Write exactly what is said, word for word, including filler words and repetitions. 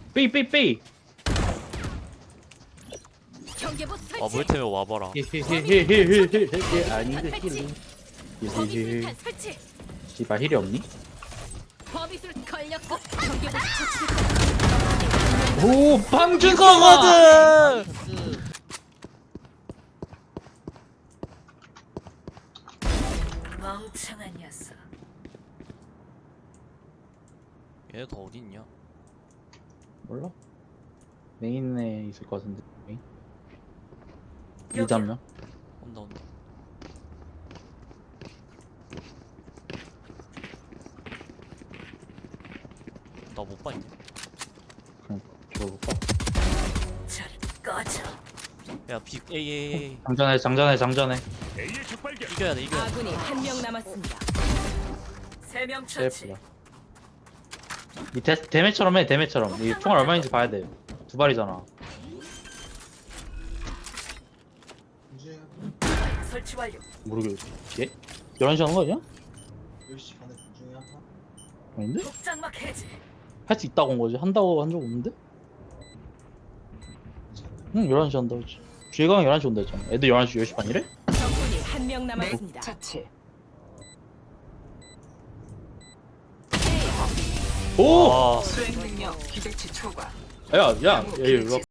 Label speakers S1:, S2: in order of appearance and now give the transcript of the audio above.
S1: 삐, 삐, 삐.
S2: 경계부 설치.
S3: 아 물템에 와봐라.
S1: 히히히히히히히 아닌데 힐.
S2: 범위술탄
S1: 히히히.
S2: 설치.
S1: 씨발 힐이 없니?
S2: 범위술 걸렸고 경계부 처치.
S1: 오, 방준
S3: 이거거든.
S2: 멍청한 녀석.
S3: 얘네 다 어디 있냐?
S1: 몰라? 메인에 있을 것 같은데. 메인. 이담면.
S3: 온다 온다. 나 못 봤냐?
S1: 그냥 들어볼까?
S2: 저리 꺼져.
S3: 야 비 에이 에이 에이.
S1: 장전해, 장전해, 장전해.
S3: 이겨야 돼 이겨야 돼.
S2: 아군이 한 명 남았습니다. 세 명
S1: 세프다. 이 데, 데메처럼 해, 데메처럼. 이 총알 얼마인지 봐야 돼. 두 발이잖아.
S2: 설치 완료.
S1: 모르겠지. 예? 열한 시 하는 거 아니야?
S4: 열 시 반에 중에 한 판?
S1: 아닌데?
S2: 독장막 해제.
S1: 할 수 있다고 한 거지. 한다고 한 적 없는데? 응, 열한 시 한다 했지. 주혜강 열한 시 온다 했잖아. 애들 열한 시, 열 시 반이래?
S2: 적군이 한 명 남았습니다. 처치.
S1: 오!
S3: 와.
S5: 수행 능력 기대치 초과.
S1: 야, 야, 야, 이리 와.